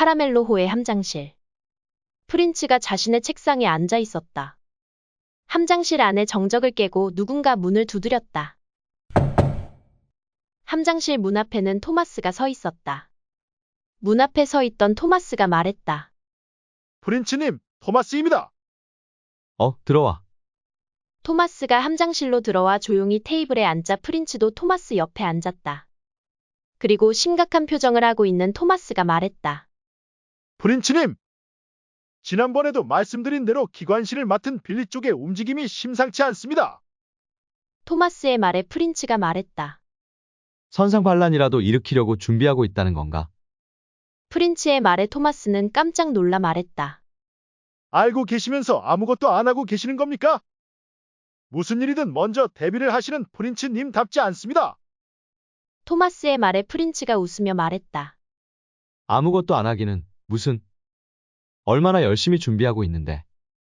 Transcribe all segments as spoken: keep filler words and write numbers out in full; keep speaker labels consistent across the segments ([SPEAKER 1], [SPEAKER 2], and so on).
[SPEAKER 1] 카라멜로호의 함장실. 프린츠가 자신의 책상에 앉아 있었다. 함장실 안에 정적을 깨고 누군가 문을 두드렸다. 함장실 문 앞에는 토마스가 서 있었다. 문 앞에 서 있던 토마스가 말했다.
[SPEAKER 2] 프린츠님, 토마스입니다.
[SPEAKER 3] 어, 들어와.
[SPEAKER 1] 토마스가 함장실로 들어와 조용히 테이블에 앉자 프린츠도 토마스 옆에 앉았다. 그리고 심각한 표정을 하고 있는 토마스가 말했다.
[SPEAKER 2] 프린츠님, 지난번에도 말씀드린 대로 기관실을 맡은 빌리 쪽의 움직임이 심상치 않습니다.
[SPEAKER 1] 토마스의 말에 프린츠가 말했다.
[SPEAKER 3] 선상반란이라도 일으키려고 준비하고 있다는 건가?
[SPEAKER 1] 프린츠의 말에 토마스는 깜짝 놀라 말했다.
[SPEAKER 2] 알고 계시면서 아무것도 안 하고 계시는 겁니까? 무슨 일이든 먼저 대비를 하시는 프린츠님답지 않습니다.
[SPEAKER 1] 토마스의 말에 프린츠가 웃으며 말했다.
[SPEAKER 3] 아무것도 안 하기는 무슨. 얼마나 열심히 준비하고 있는데.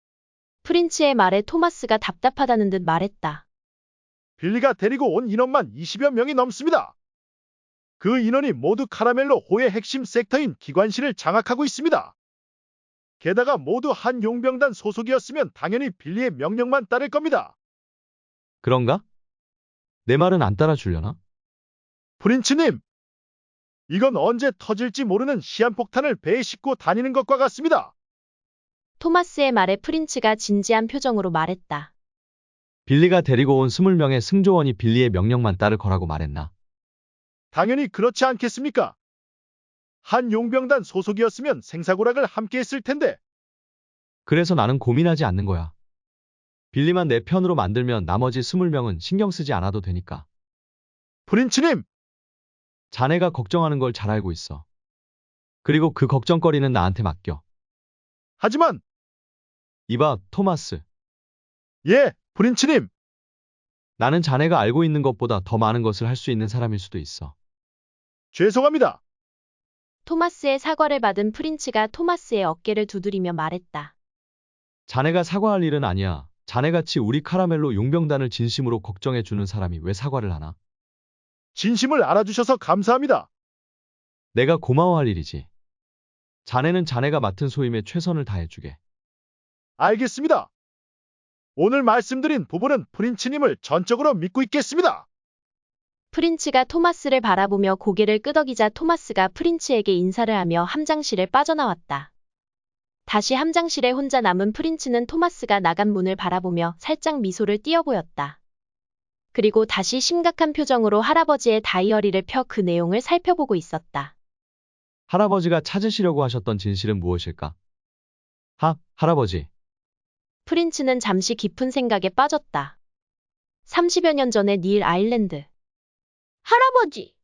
[SPEAKER 1] 프린츠의 말에 토마스가 답답하다는 듯 말했다.
[SPEAKER 2] 빌리가 데리고 온 인원만 이십여 명이 넘습니다. 그 인원이 모두 카라멜로 호의 핵심 섹터인 기관실을 장악하고 있습니다. 게다가 모두 한 용병단 소속이었으면 당연히 빌리의 명령만 따를 겁니다.
[SPEAKER 3] 그런가? 내 말은 안 따라주려나?
[SPEAKER 2] 프린츠님, 이건 언제 터질지 모르는 시한폭탄을 배에 싣고 다니는 것과 같습니다.
[SPEAKER 1] 토마스의 말에 프린츠가 진지한 표정으로 말했다.
[SPEAKER 3] 빌리가 데리고 온 스물 명의 승조원이 빌리의 명령만 따를 거라고 말했나?
[SPEAKER 2] 당연히 그렇지 않겠습니까? 한 용병단 소속이었으면 생사고락을 함께 했을 텐데.
[SPEAKER 3] 그래서 나는 고민하지 않는 거야. 빌리만 내 편으로 만들면 나머지 스물 명은 신경 쓰지 않아도 되니까.
[SPEAKER 2] 프린츠님,
[SPEAKER 3] 자네가 걱정하는 걸 잘 알고 있어. 그리고 그 걱정거리는 나한테 맡겨.
[SPEAKER 2] 하지만
[SPEAKER 3] 이봐, 토마스.
[SPEAKER 2] 예, 프린츠님.
[SPEAKER 3] 나는 자네가 알고 있는 것보다 더 많은 것을 할 수 있는 사람일 수도 있어.
[SPEAKER 2] 죄송합니다.
[SPEAKER 1] 토마스의 사과를 받은 프린츠가 토마스의 어깨를 두드리며 말했다.
[SPEAKER 3] 자네가 사과할 일은 아니야. 자네같이 우리 카라멜로 용병단을 진심으로 걱정해주는 사람이 왜 사과를 하나?
[SPEAKER 2] 진심을 알아주셔서 감사합니다.
[SPEAKER 3] 내가 고마워할 일이지. 자네는 자네가 맡은 소임에 최선을 다해주게.
[SPEAKER 2] 알겠습니다. 오늘 말씀드린 부분은 프린츠님을 전적으로 믿고 있겠습니다.
[SPEAKER 1] 프린츠가 토마스를 바라보며 고개를 끄덕이자 토마스가 프린츠에게 인사를 하며 함장실을 빠져나왔다. 다시 함장실에 혼자 남은 프린츠는 토마스가 나간 문을 바라보며 살짝 미소를 띄어 보였다. 그리고 다시 심각한 표정으로 할아버지의 다이어리를 펴 그 내용을 살펴보고 있었다.
[SPEAKER 3] 할아버지가 찾으시려고 하셨던 진실은 무엇일까? 하, 할아버지.
[SPEAKER 1] 프린츠는 잠시 깊은 생각에 빠졌다. 삼십여 년 전의 닐 아일랜드. 할아버지!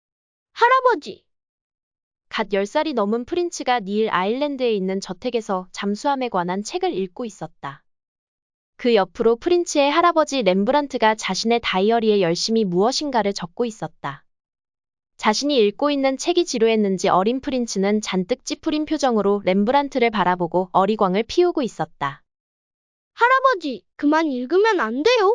[SPEAKER 1] 할아버지! 갓 열 살이 넘은 프린츠가 닐 아일랜드에 있는 저택에서 잠수함에 관한 책을 읽고 있었다. 그 옆으로 프린츠의 할아버지 렘브란트가 자신의 다이어리에 열심히 무엇인가를 적고 있었다. 자신이 읽고 있는 책이 지루했는지 어린 프린츠는 잔뜩 찌푸린 표정으로 렘브란트를 바라보고 어리광을 피우고 있었다.
[SPEAKER 4] 할아버지, 그만 읽으면 안 돼요?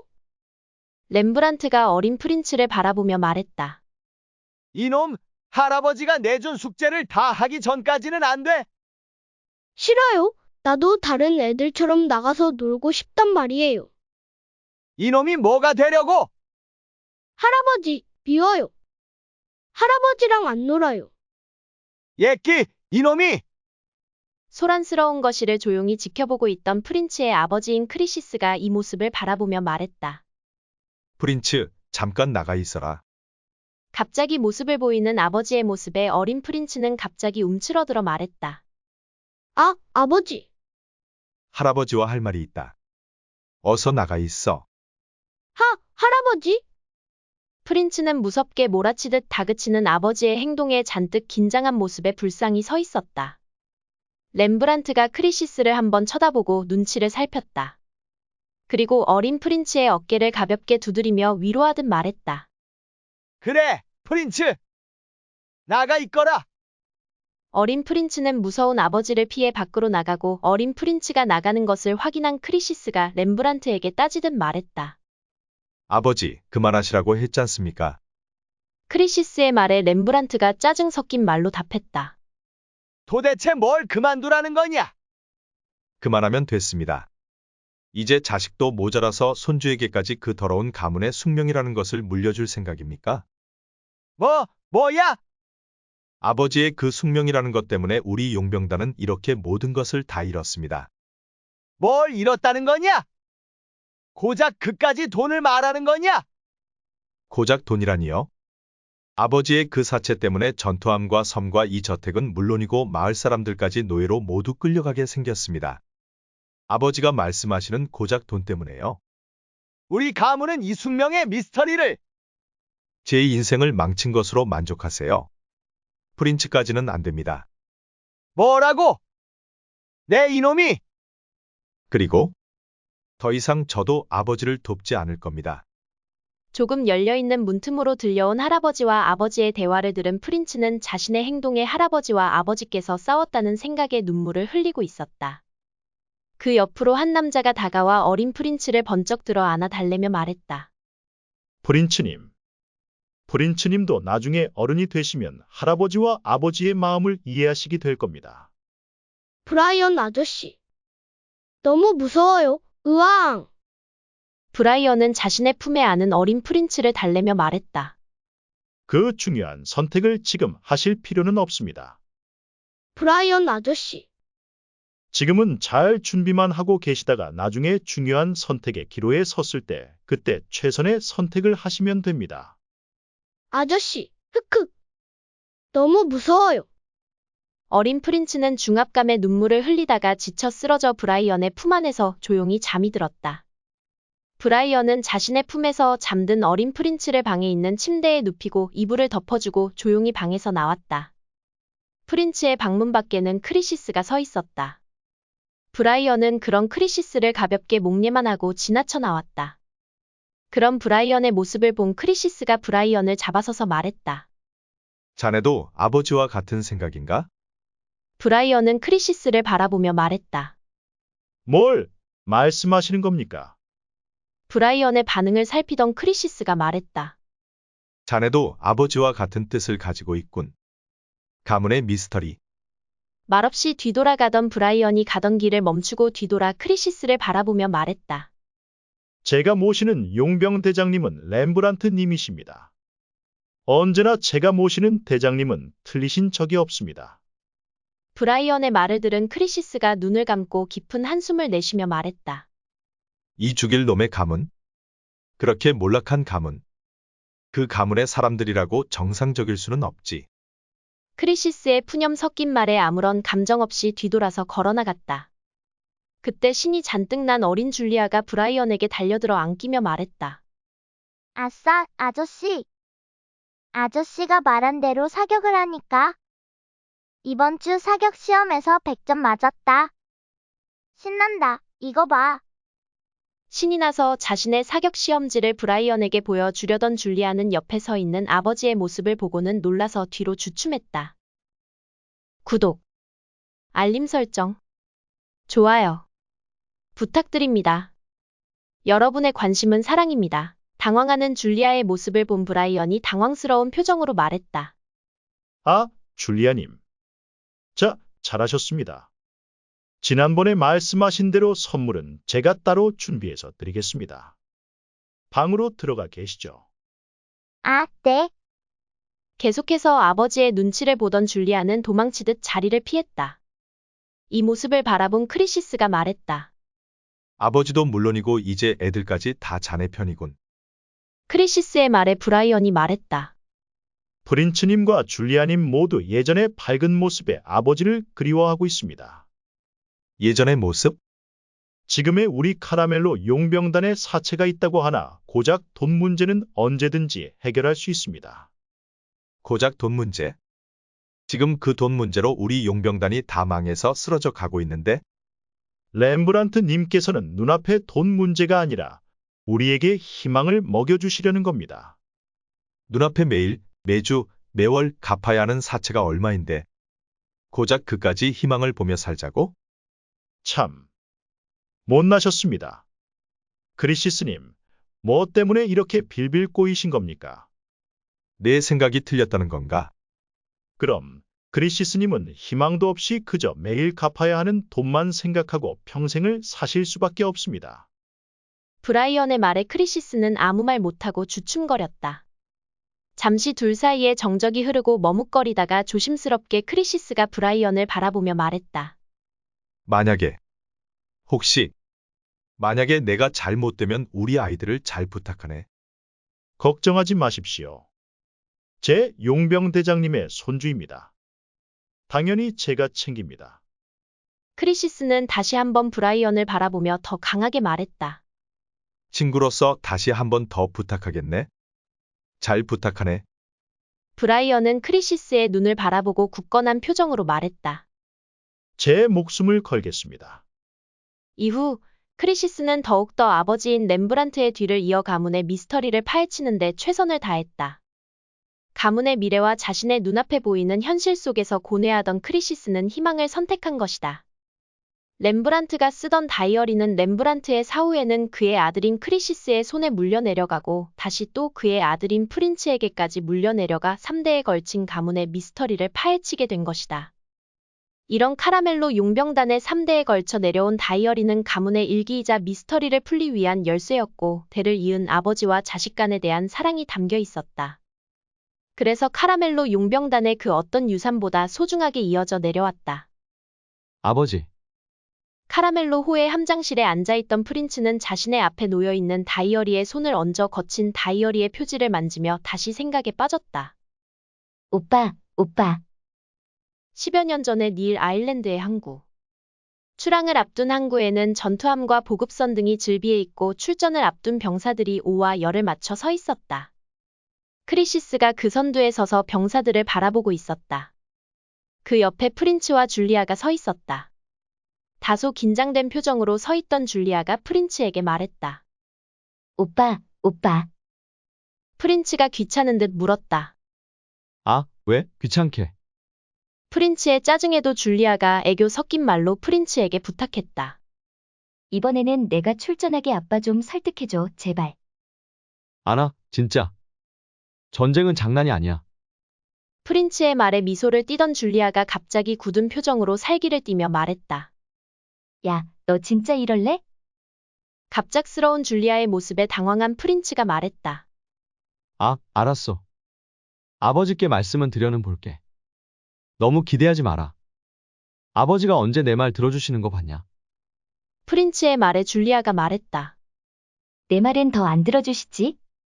[SPEAKER 1] 렘브란트가 어린 프린츠를 바라보며 말했다.
[SPEAKER 5] 이놈, 할아버지가 내준 숙제를 다 하기 전까지는 안 돼.
[SPEAKER 4] 싫어요. 나도 다른 애들처럼 나가서 놀고 싶단 말이에요.
[SPEAKER 5] 이놈이 뭐가 되려고?
[SPEAKER 4] 할아버지, 미워요. 할아버지랑 안 놀아요.
[SPEAKER 5] 예끼, 이놈이!
[SPEAKER 1] 소란스러운 것이를 조용히 지켜보고 있던 프린츠의 아버지인 크리시스가 이 모습을 바라보며 말했다.
[SPEAKER 6] 프린츠, 잠깐 나가 있어라.
[SPEAKER 1] 갑자기 모습을 보이는 아버지의 모습에 어린 프린츠는 갑자기 움츠러들어 말했다.
[SPEAKER 4] 아, 아버지.
[SPEAKER 6] 할아버지와 할 말이 있다. 어서 나가 있어.
[SPEAKER 4] 하, 할아버지?
[SPEAKER 1] 프린츠는 무섭게 몰아치듯 다그치는 아버지의 행동에 잔뜩 긴장한 모습에 불쌍히 서 있었다. 렘브란트가 크리시스를 한번 쳐다보고 눈치를 살폈다. 그리고 어린 프린츠의 어깨를 가볍게 두드리며 위로하듯 말했다.
[SPEAKER 5] 그래, 프린츠! 나가 있거라!
[SPEAKER 1] 어린 프린츠는 무서운 아버지를 피해 밖으로 나가고 어린 프린츠가 나가는 것을 확인한 크리시스가 렘브란트에게 따지듯 말했다.
[SPEAKER 6] 아버지, 그만하시라고 했지 않습니까?
[SPEAKER 1] 크리시스의 말에 렘브란트가 짜증 섞인 말로 답했다.
[SPEAKER 5] 도대체 뭘 그만두라는 거냐?
[SPEAKER 6] 그만하면 됐습니다. 이제 자식도 모자라서 손주에게까지 그 더러운 가문의 숙명이라는 것을 물려줄 생각입니까?
[SPEAKER 5] 뭐, 뭐야?
[SPEAKER 6] 아버지의 그 숙명이라는 것 때문에 우리 용병단은 이렇게 모든 것을 다 잃었습니다.
[SPEAKER 5] 뭘 잃었다는 거냐? 고작 그까지 돈을 말하는 거냐?
[SPEAKER 6] 고작 돈이라니요? 아버지의 그 사체 때문에 전투함과 섬과 이 저택은 물론이고 마을 사람들까지 노예로 모두 끌려가게 생겼습니다. 아버지가 말씀하시는 고작 돈 때문에요.
[SPEAKER 5] 우리 가문은 이 숙명의 미스터리를
[SPEAKER 6] 제 인생을 망친 것으로 만족하세요. 프린츠까지는 안 됩니다.
[SPEAKER 5] 뭐라고? 내 이놈이
[SPEAKER 6] 그리고 더 이상 저도 아버지를 돕지 않을 겁니다.
[SPEAKER 1] 조금 열려있는 문틈으로 들려온 할아버지와 아버지의 대화를 들은 프린츠는 자신의 행동에 할아버지와 아버지께서 싸웠다는 생각에 눈물을 흘리고 있었다. 그 옆으로 한 남자가 다가와 어린 프린츠를 번쩍 들어 안아 달래며 말했다.
[SPEAKER 2] 프린츠님. 프린츠님도 나중에 어른이 되시면 할아버지와 아버지의 마음을 이해하시게 될 겁니다.
[SPEAKER 4] 브라이언 아저씨. 너무 무서워요. 으앙.
[SPEAKER 1] 브라이언은 자신의 품에 안은 어린 프린츠를 달래며 말했다.
[SPEAKER 2] 그 중요한 선택을 지금 하실 필요는 없습니다.
[SPEAKER 4] 브라이언 아저씨.
[SPEAKER 2] 지금은 잘 준비만 하고 계시다가 나중에 중요한 선택의 기로에 섰을 때 그때 최선의 선택을 하시면 됩니다.
[SPEAKER 4] 아저씨. 흑흑. 너무 무서워요.
[SPEAKER 1] 어린 프린츠는 중압감에 눈물을 흘리다가 지쳐 쓰러져 브라이언의 품 안에서 조용히 잠이 들었다. 브라이언은 자신의 품에서 잠든 어린 프린츠를 방에 있는 침대에 눕히고 이불을 덮어주고 조용히 방에서 나왔다. 프린츠의 방문 밖에는 크리시스가 서 있었다. 브라이언은 그런 크리시스를 가볍게 목례만 하고 지나쳐 나왔다. 그런 브라이언의 모습을 본 크리시스가 브라이언을 잡아서서 말했다.
[SPEAKER 6] 자네도 아버지와 같은 생각인가?
[SPEAKER 1] 브라이언은 크리시스를 바라보며 말했다.
[SPEAKER 2] 뭘 말씀하시는 겁니까?
[SPEAKER 1] 브라이언의 반응을 살피던 크리시스가 말했다.
[SPEAKER 6] 자네도 아버지와 같은 뜻을 가지고 있군. 가문의 미스터리.
[SPEAKER 1] 말없이 뒤돌아가던 브라이언이 가던 길을 멈추고 뒤돌아 크리시스를 바라보며 말했다.
[SPEAKER 2] 제가 모시는 용병 대장님은 렘브란트 님이십니다. 언제나 제가 모시는 대장님은 틀리신 적이 없습니다.
[SPEAKER 1] 브라이언의 말을 들은 크리시스가 눈을 감고 깊은 한숨을 내쉬며 말했다.
[SPEAKER 6] 이 죽일 놈의 가문? 그렇게 몰락한 가문. 그 가문의 사람들이라고 정상적일 수는 없지.
[SPEAKER 1] 크리시스의 푸념 섞인 말에 아무런 감정 없이 뒤돌아서 걸어나갔다. 그때 신이 잔뜩 난 어린 줄리아가 브라이언에게 달려들어 안기며 말했다.
[SPEAKER 7] 아싸, 아저씨. 아저씨가 말한 대로 사격을 하니까 이번 주 사격 시험에서 백 점 맞았다. 신난다. 이거 봐.
[SPEAKER 1] 신이 나서 자신의 사격 시험지를 브라이언에게 보여주려던 줄리아는 옆에 서 있는 아버지의 모습을 보고는 놀라서 뒤로 주춤했다. 구독, 알림 설정, 좋아요 부탁드립니다. 여러분의 관심은 사랑입니다. 당황하는 줄리아의 모습을 본 브라이언이 당황스러운 표정으로 말했다.
[SPEAKER 2] 아, 줄리아님. 자, 잘하셨습니다. 지난번에 말씀하신 대로 선물은 제가 따로 준비해서 드리겠습니다. 방으로 들어가 계시죠.
[SPEAKER 7] 아, 네.
[SPEAKER 1] 계속해서 아버지의 눈치를 보던 줄리아는 도망치듯 자리를 피했다. 이 모습을 바라본 크리시스가 말했다.
[SPEAKER 6] 아버지도 물론이고 이제 애들까지 다 자네 편이군.
[SPEAKER 1] 크리시스의 말에 브라이언이 말했다.
[SPEAKER 2] 프린츠님과 줄리아님 모두 예전의 밝은 모습의 아버지를 그리워하고 있습니다.
[SPEAKER 6] 예전의 모습?
[SPEAKER 2] 지금의 우리 카라멜로 용병단에 사체가 있다고 하나 고작 돈 문제는 언제든지 해결할 수 있습니다.
[SPEAKER 6] 고작 돈 문제. 지금 그 돈 문제로 우리 용병단이 다 망해서 쓰러져 가고 있는데
[SPEAKER 2] 렘브란트 님께서는 눈앞의 돈 문제가 아니라 우리에게 희망을 먹여주시려는 겁니다.
[SPEAKER 6] 눈앞에 매일, 매주, 매월 갚아야 하는 사체가 얼마인데 고작 그까지 희망을 보며 살자고?
[SPEAKER 2] 참 못나셨습니다. 크리시스님, 뭐 때문에 이렇게 빌빌 꼬이신 겁니까?
[SPEAKER 6] 내 생각이 틀렸다는 건가?
[SPEAKER 2] 그럼 크리시스님은 희망도 없이 그저 매일 갚아야 하는 돈만 생각하고 평생을 사실 수밖에 없습니다.
[SPEAKER 1] 브라이언의 말에 크리시스는 아무 말 못하고 주춤거렸다. 잠시 둘 사이에 정적이 흐르고 머뭇거리다가 조심스럽게 크리시스가 브라이언을 바라보며 말했다.
[SPEAKER 6] 만약에, 혹시, 만약에 내가 잘못되면 우리 아이들을 잘 부탁하네.
[SPEAKER 2] 걱정하지 마십시오. 제 용병대장님의 손주입니다. 당연히 제가 챙깁니다.
[SPEAKER 1] 크리시스는 다시 한번 브라이언을 바라보며 더 강하게 말했다.
[SPEAKER 6] 친구로서 다시 한 번 더 부탁하겠네. 잘 부탁하네.
[SPEAKER 1] 브라이언은 크리시스의 눈을 바라보고 굳건한 표정으로 말했다.
[SPEAKER 2] 제 목숨을 걸겠습니다.
[SPEAKER 1] 이후 크리시스는 더욱더 아버지인 렘브란트의 뒤를 이어 가문의 미스터리를 파헤치는 데 최선을 다했다. 가문의 미래와 자신의 눈앞에 보이는 현실 속에서 고뇌하던 크리시스는 희망을 선택한 것이다. 렘브란트가 쓰던 다이어리는 렘브란트의 사후에는 그의 아들인 크리시스의 손에 물려내려가고 다시 또 그의 아들인 프린츠에게까지 물려내려가 삼 대에 걸친 가문의 미스터리를 파헤치게 된 것이다. 이런 카라멜로 용병단의 삼 대에 걸쳐 내려온 다이어리는 가문의 일기이자 미스터리를 풀기 위한 열쇠였고 대를 이은 아버지와 자식 간에 대한 사랑이 담겨 있었다. 그래서 카라멜로 용병단의 그 어떤 유산보다 소중하게 이어져 내려왔다.
[SPEAKER 3] 아버지,
[SPEAKER 1] 카라멜로 호의 함장실에 앉아있던 프린츠는 자신의 앞에 놓여있는 다이어리에 손을 얹어 거친 다이어리의 표지를 만지며 다시 생각에 빠졌다.
[SPEAKER 7] 오빠, 오빠.
[SPEAKER 1] 십여 년 전의 닐 아일랜드의 항구. 출항을 앞둔 항구에는 전투함과 보급선 등이 즐비해 있고 출전을 앞둔 병사들이 오와 열을 맞춰 서 있었다. 크리시스가 그 선두에 서서 병사들을 바라보고 있었다. 그 옆에 프린츠와 줄리아가 서 있었다. 다소 긴장된 표정으로 서 있던 줄리아가 프린츠에게 말했다.
[SPEAKER 7] 오빠, 오빠.
[SPEAKER 1] 프린츠가 귀찮은 듯 물었다.
[SPEAKER 3] 아, 왜? 귀찮게.
[SPEAKER 1] 프린츠의 짜증에도 줄리아가 애교 섞인 말로 프린츠에게 부탁했다.
[SPEAKER 7] 이번에는 내가 출전하게 아빠 좀 설득해줘, 제발.
[SPEAKER 3] 아나, 진짜. 전쟁은 장난이 아니야.
[SPEAKER 1] 프린츠의 말에 미소를 띠던 줄리아가 갑자기 굳은 표정으로 살기를 띠며 말했다.
[SPEAKER 7] 야, 너 진짜 이럴래?
[SPEAKER 1] 갑작스러운 줄리아의 모습에 당황한 프린츠가 말했다.
[SPEAKER 3] 아, 알았어. 아버지께 말씀은 드려는 볼게. 너무 기대하지 마라. 아버지가 언제 내 말 들어주시는 거 봤냐?
[SPEAKER 1] 프린츠의 말에 줄리아가 말했다.
[SPEAKER 7] 내 말은 더 안 들어주시지?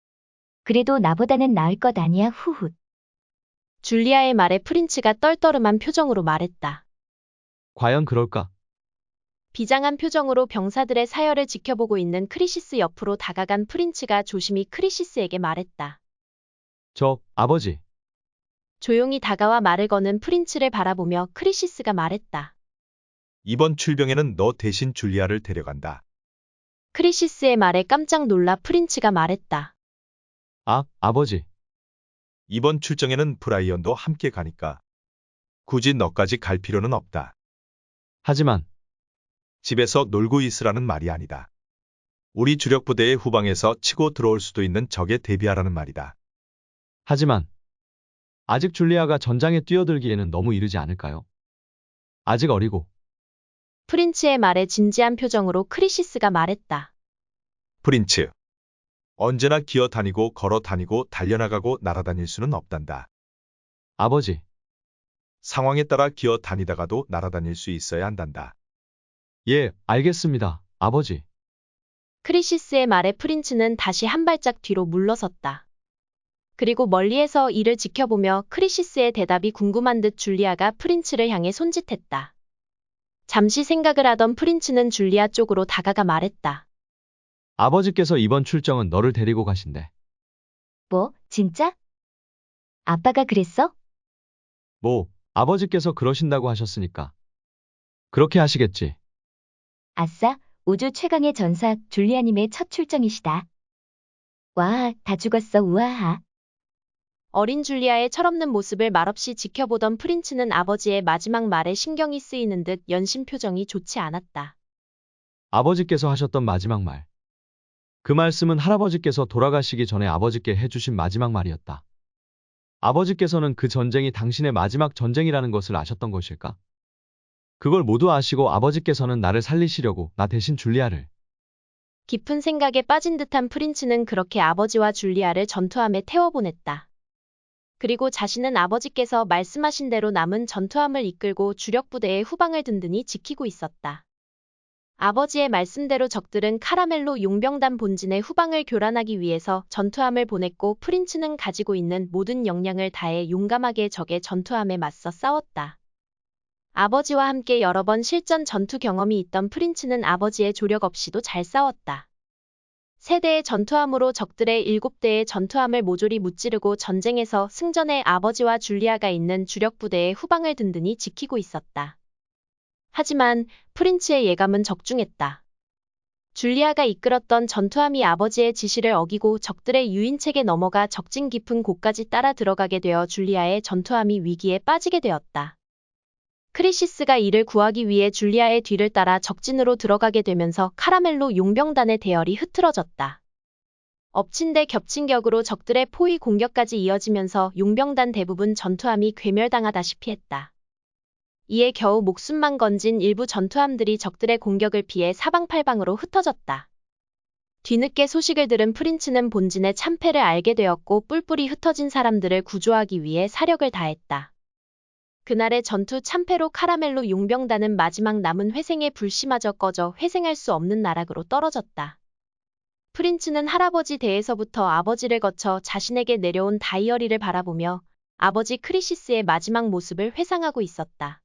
[SPEAKER 7] 그래도 나보다는 나을 것 아니야, 후훗.
[SPEAKER 1] 줄리아의 말에 프린츠가 떨떠름한 표정으로 말했다.
[SPEAKER 3] 과연 그럴까?
[SPEAKER 1] 비장한 표정으로 병사들의 사열을 지켜보고 있는 크리시스 옆으로 다가간 프린츠가 조심히 크리시스에게 말했다.
[SPEAKER 3] 저, 아버지.
[SPEAKER 1] 조용히 다가와 말을 거는 프린츠를 바라보며 크리시스가 말했다.
[SPEAKER 6] 이번 출병에는 너 대신 줄리아를 데려간다.
[SPEAKER 1] 크리시스의 말에 깜짝 놀라 프린츠가 말했다.
[SPEAKER 3] 아, 아버지.
[SPEAKER 6] 이번 출정에는 브라이언도 함께 가니까. 굳이 너까지 갈 필요는 없다.
[SPEAKER 3] 하지만,
[SPEAKER 6] 집에서 놀고 있으라는 말이 아니다. 우리 주력 부대의 후방에서 치고 들어올 수도 있는 적에 대비하라는 말이다.
[SPEAKER 3] 하지만, 아직 줄리아가 전장에 뛰어들기에는 너무 이르지 않을까요? 아직 어리고.
[SPEAKER 1] 프린츠의 말에 진지한 표정으로 크리시스가 말했다.
[SPEAKER 6] 프린츠. 언제나 기어 다니고 걸어 다니고 달려나가고 날아다닐 수는 없단다.
[SPEAKER 3] 아버지,
[SPEAKER 6] 상황에 따라 기어 다니다가도 날아다닐 수 있어야 한단다.
[SPEAKER 3] 예, 알겠습니다, 아버지.
[SPEAKER 1] 크리시스의 말에 프린츠는 다시 한 발짝 뒤로 물러섰다. 그리고 멀리에서 이를 지켜보며 크리시스의 대답이 궁금한 듯 줄리아가 프린츠를 향해 손짓했다. 잠시 생각을 하던 프린츠는 줄리아 쪽으로 다가가 말했다.
[SPEAKER 3] 아버지께서 이번 출정은 너를 데리고 가신대.
[SPEAKER 7] 뭐, 진짜? 아빠가 그랬어?
[SPEAKER 3] 뭐, 아버지께서 그러신다고 하셨으니까. 그렇게 하시겠지.
[SPEAKER 7] 아싸, 우주 최강의 전사 줄리아님의 첫 출정이시다. 와, 다 죽었어, 우아하.
[SPEAKER 1] 어린 줄리아의 철없는 모습을 말없이 지켜보던 프린츠는 아버지의 마지막 말에 신경이 쓰이는 듯 연신 표정이 좋지 않았다.
[SPEAKER 3] 아버지께서 하셨던 마지막 말. 그 말씀은 할아버지께서 돌아가시기 전에 아버지께 해주신 마지막 말이었다. 아버지께서는 그 전쟁이 당신의 마지막 전쟁이라는 것을 아셨던 것일까? 그걸 모두 아시고 아버지께서는 나를 살리시려고 나 대신 줄리아를.
[SPEAKER 1] 깊은 생각에 빠진 듯한 프린츠는 그렇게 아버지와 줄리아를 전투함에 태워보냈다. 그리고 자신은 아버지께서 말씀하신 대로 남은 전투함을 이끌고 주력 부대의 후방을 든든히 지키고 있었다. 아버지의 말씀대로 적들은 카라멜로 용병단 본진의 후방을 교란하기 위해서 전투함을 보냈고 프린츠는 가지고 있는 모든 역량을 다해 용감하게 적의 전투함에 맞서 싸웠다. 아버지와 함께 여러 번 실전 전투 경험이 있던 프린츠는 아버지의 조력 없이도 잘 싸웠다. 세 대의 전투함으로 적들의 일곱 대의 전투함을 모조리 무찌르고 전쟁에서 승전해 아버지와 줄리아가 있는 주력 부대의 후방을 든든히 지키고 있었다. 하지만 프린츠의 예감은 적중했다. 줄리아가 이끌었던 전투함이 아버지의 지시를 어기고 적들의 유인책에 넘어가 적진 깊은 곳까지 따라 들어가게 되어 줄리아의 전투함이 위기에 빠지게 되었다. 크리시스가 이를 구하기 위해 줄리아의 뒤를 따라 적진으로 들어가게 되면서 카라멜로 용병단의 대열이 흐트러졌다. 엎친 데 겹친 격으로 적들의 포위 공격까지 이어지면서 용병단 대부분 전투함이 괴멸당하다시피 했다. 이에 겨우 목숨만 건진 일부 전투함들이 적들의 공격을 피해 사방팔방으로 흩어졌다. 뒤늦게 소식을 들은 프린츠는 본진의 참패를 알게 되었고 뿔뿔이 흩어진 사람들을 구조하기 위해 사력을 다했다. 그날의 전투 참패로 카라멜로 용병단은 마지막 남은 회생의 불씨마저 꺼져 회생할 수 없는 나락으로 떨어졌다. 프린츠는 할아버지 댁에서부터 아버지를 거쳐 자신에게 내려온 다이어리를 바라보며 아버지 크리시스의 마지막 모습을 회상하고 있었다.